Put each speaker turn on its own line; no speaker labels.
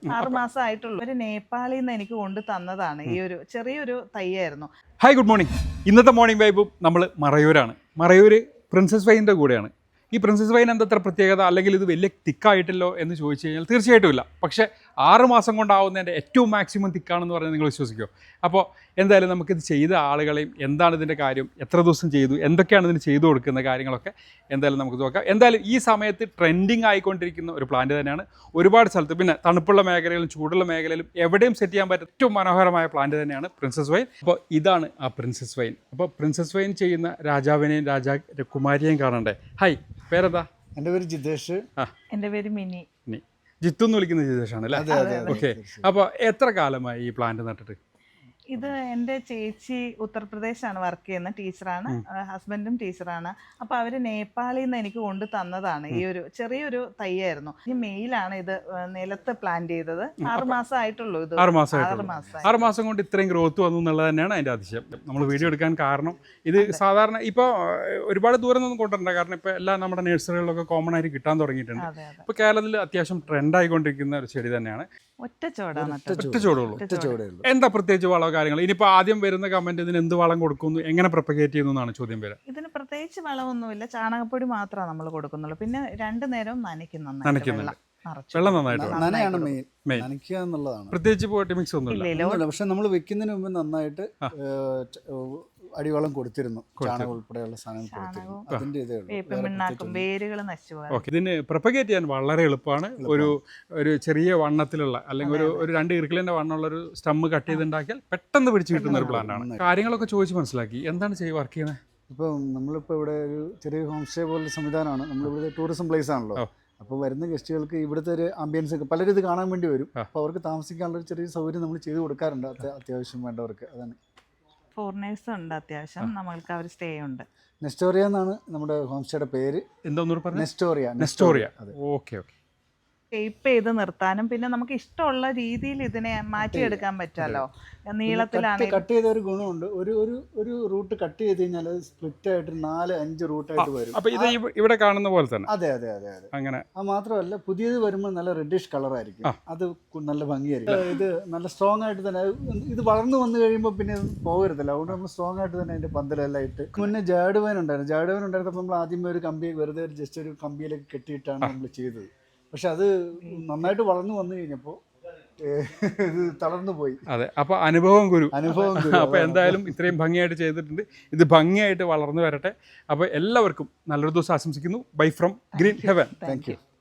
6 മാസം ആയിട്ടുള്ളൂ. ഒരു നേപ്പാളിൽ നിന്ന് എനിക്ക് കൊണ്ട് തന്നതാണ്. ഈ ഒരു ചെറിയൊരു തൈയായിരുന്നു.
Hi, good morning. ഇന്നത്തെ മോർണിംഗ് വൈബും നമ്മൾ മറയൂരാണ്. മറയൂർ പ്രിൻസസ് വൈനിൻ്റെ കൂടെയാണ്. ഈ പ്രിൻസസ് വൈൻ എന്തത്ര പ്രത്യേകത, അല്ലെങ്കിൽ ഇത് വലിയ തിക്കായിട്ടില്ലോ എന്ന് ചോദിച്ചു കഴിഞ്ഞാൽ തീർച്ചയായിട്ടും ഇല്ല. പക്ഷേ 6 മാസം കൊണ്ടാവുന്നതിൻ്റെ ഏറ്റവും മാക്സിമം തിക്കാണെന്ന് പറഞ്ഞാൽ നിങ്ങൾ വിശ്വസിക്കുമോ? അപ്പോൾ എന്തായാലും നമുക്കിത് ചെയ്ത ആളുകളെയും എന്താണ് ഇതിൻ്റെ കാര്യം, എത്ര ദിവസം ചെയ്തു, എന്തൊക്കെയാണ് ഇതിന് ചെയ്തു കൊടുക്കുന്ന കാര്യങ്ങളൊക്കെ എന്തായാലും നമുക്ക് നോക്കാം. എന്തായാലും ഈ സമയത്ത് ട്രെൻഡിങ് ആയിക്കൊണ്ടിരിക്കുന്ന ഒരു പ്ലാന്റ് തന്നെയാണ്. ഒരുപാട് സ്ഥലത്ത്, പിന്നെ തണുപ്പുള്ള മേഖലയിലും ചൂടുള്ള മേഖലയിലും എവിടെയും സെറ്റ് ചെയ്യാൻ പറ്റുന്ന ഏറ്റവും മനോഹരമായ പ്ലാന്റ് തന്നെയാണ് പ്രിൻസസ് വൈൻ. അപ്പോൾ ഇതാണ് ആ പ്രിൻസസ് വൈൻ. അപ്പോൾ പ്രിൻസസ് വൈൻ ചെയ്യുന്ന രാജാവിനെയും രാജകുമാരിയെയും കാണണ്ടേ? ഹായ്, പേരെന്താ?
എൻ്റെ പേര് ജിതേഷ്.
എൻ്റെ പേര് മിനി.
ജിത്തു എന്ന് വിളിക്കുന്ന ജിതേഷാണ് അല്ലേ? ഓക്കെ. അപ്പോൾ എത്ര കാലമായി ഈ പ്ലാന്റ് നട്ടിട്ട്?
ഇത് എൻ്റെ ചേച്ചി ഉത്തർപ്രദേശാണ് വർക്ക് ചെയ്യുന്ന, ടീച്ചറാണ്. ഹസ്ബൻഡും ടീച്ചറാണ്. അപ്പോൾ അവർ നേപ്പാളിൽ നിന്ന് എനിക്ക് കൊണ്ട് തന്നതാണ്. ഈ ഒരു ചെറിയൊരു തൈയായിരുന്നു. ഈ മെയിലാണ് ഇത് നിലത്ത് പ്ലാന്റ് ചെയ്തത്. 6 മാസം ആയിട്ടുള്ളൂ. ഇത്
6 മാസം കൊണ്ട് ഇത്രയും ഗ്രോത്ത് വന്നു എന്നുള്ളത് തന്നെയാണ് അതിൻ്റെ അതിശയം. നമ്മൾ വീഡിയോ എടുക്കാൻ കാരണം ഇത് സാധാരണ ഇപ്പോൾ ഒരുപാട് ദൂരം ഒന്നും കൊണ്ടുവരണ്ട, കാരണം ഇപ്പോൾ എല്ലാം നമ്മുടെ നഴ്സറികളിലൊക്കെ കോമൺ ആയിട്ട് കിട്ടാൻ തുടങ്ങിയിട്ടുണ്ട്. ഇപ്പോൾ കേരളത്തിൽ അത്യാവശ്യം ട്രെൻഡായിക്കൊണ്ടിരിക്കുന്ന ഒരു ചെടി തന്നെയാണ്.
ഒറ്റ ചോടാണ്.
എന്താ പ്രത്യേകിച്ച് വളമോ കാര്യങ്ങൾ? ഇനിയിപ്പോൾ ആദ്യം വരുന്ന കമന്റ് ഇതിന് എന്ത് വളം കൊടുക്കുന്നു, എങ്ങനെ പ്രൊപ്പഗേറ്റ് ചെയ്യുന്നു എന്നാണ് ചോദ്യം വരിക.
ഇതിന് പ്രത്യേകിച്ച് വളമൊന്നുമില്ല, ചാണകപ്പൊടി മാത്രമാണ് നമ്മൾ കൊടുക്കുന്നുള്ളൂ. പിന്നെ 2 നേരവും നനയ്ക്കുന്നുണ്ട്.
വെള്ളം നന്നായിട്ട്
നനയാണ് മെയിൻ, നനയ്ക്കുക എന്നുള്ളതാണ്.
പ്രത്യേകിച്ച് പോയിട്ട് മിക്സ് ഒന്നുമില്ല.
പക്ഷെ നമ്മൾ വെക്കുന്നതിന് മുമ്പ് നന്നായിട്ട് അടിവളം കൊടുത്തിരുന്നു, ചാണകം ഉൾപ്പെടെയുള്ള സാധനം കൊടുത്തിരുന്നു. അതിന്റെ ഇതേ ഉള്ളൂ.
ഇതിന് പ്രൊപ്പഗേറ്റ് ചെയ്യാൻ വളരെ എളുപ്പമാണ്. ഒരു ചെറിയ വണ്ണത്തിലുള്ള, അല്ലെങ്കിൽ ഒരു 2 ഇറുക്കിലിന്റെ വണ്ണമുള്ള ഒരു സ്റ്റമ്മ് കട്ട് ചെയ്തുണ്ടാക്കിയാൽ പെട്ടെന്ന് പിടിച്ചു കിട്ടുന്ന ഒരു പ്ലാന്റ് ആണ്. കാര്യങ്ങളൊക്കെ ചോദിച്ച് മനസ്സിലാക്കി. എന്താണ് വർക്ക് ചെയ്യുന്നത്?
ഇപ്പം നമ്മളിപ്പോൾ ഇവിടെ ഒരു ചെറിയ ഹോം സ്റ്റേ പോലുള്ള സംവിധാനമാണ്. നമ്മളിവിടെ ടൂറിസം പ്ലേസ് ആണല്ലോ. അപ്പോൾ വരുന്ന ഗസ്റ്റുകൾക്ക് ഇവിടുത്തെ ഒരു ആംബിയൻസ് ഒക്കെ പലരും ഇത് കാണാൻ വേണ്ടി വരും. അപ്പോൾ അവർക്ക് താമസിക്കാനുള്ള ഒരു ചെറിയ സൗകര്യം നമ്മൾ ചെയ്ത് കൊടുക്കാറുണ്ട് അത്യാവശ്യം വേണ്ടവർക്ക്. അതാണ്.
ഫോറിനേഴ്സ് ഉണ്ട് അത്യാവശ്യം, നമ്മൾക്ക് അവർ സ്റ്റേ ഉണ്ട്.
നെസ്റ്റോറിയ എന്നാണ് നമ്മുടെ ഹോം സ്റ്റേയുടെ പേര്.
എന്താ?
നെസ്റ്റോറിയ.
ഓക്കെ.
ഷേപ്പ് ചെയ്ത് നിർത്താനും പിന്നെ നമുക്ക് ഇഷ്ടമുള്ള രീതിയിൽ ഇതിനെ മാറ്റിയെടുക്കാൻ പറ്റുമല്ലോ. നീളത്തിലാണ്
കട്ട് ചെയ്ത ഒരു ഗുണമുണ്ട്. ഒരു റൂട്ട് കട്ട് ചെയ്ത് കഴിഞ്ഞാൽ അത് സ്പ്ലിറ്റ് ആയിട്ട് 4-5 റൂട്ടായിട്ട് വരും.
അപ്പൊ ഇത് ഇവിടെ കാണുന്ന പോലെ തന്നെ.
അതെ. അങ്ങനെ. അത് മാത്രമല്ല, പുതിയത് വരുമ്പോൾ നല്ല റെഡിഷ് കളർ ആയിരിക്കും. അത് നല്ല ഭംഗിയായിരിക്കും. ഇത് നല്ല സ്ട്രോങ് ആയിട്ട് തന്നെ ഇത് വളർന്നു വന്നു കഴിയുമ്പോൾ പിന്നെ പോകരുതല്ല. അതുകൊണ്ട് നമ്മൾ സ്ട്രോങ് ആയിട്ട് തന്നെ അതിന്റെ പന്തലെല്ലാം ഇട്ട്. മുന്നേ ജാഡുവൻ ഉണ്ടായിരുന്നപ്പോൾ നമ്മൾ ആദ്യമേ ഒരു കമ്പി വെറുതെ ജസ്റ്റ് ഒരു കമ്പിയിലേക്ക് കെട്ടിയിട്ടാണ് നമ്മൾ ചെയ്തത്. പക്ഷെ അത് നന്നായിട്ട് വളർന്നു വന്നു കഴിഞ്ഞപ്പോൾ ഇത് തളർന്നു പോയി.
അതെ. അപ്പൊ അനുഭവം ഗുരു. അപ്പൊ എന്തായാലും ഇത്രയും ഭംഗിയായിട്ട് ചെയ്തിട്ടുണ്ട്. ഇത് ഭംഗിയായിട്ട് വളർന്നു വരട്ടെ. അപ്പൊ എല്ലാവർക്കും നല്ലൊരു ദിവസം ആശംസിക്കുന്നു. Bye from green heaven.
Thank U.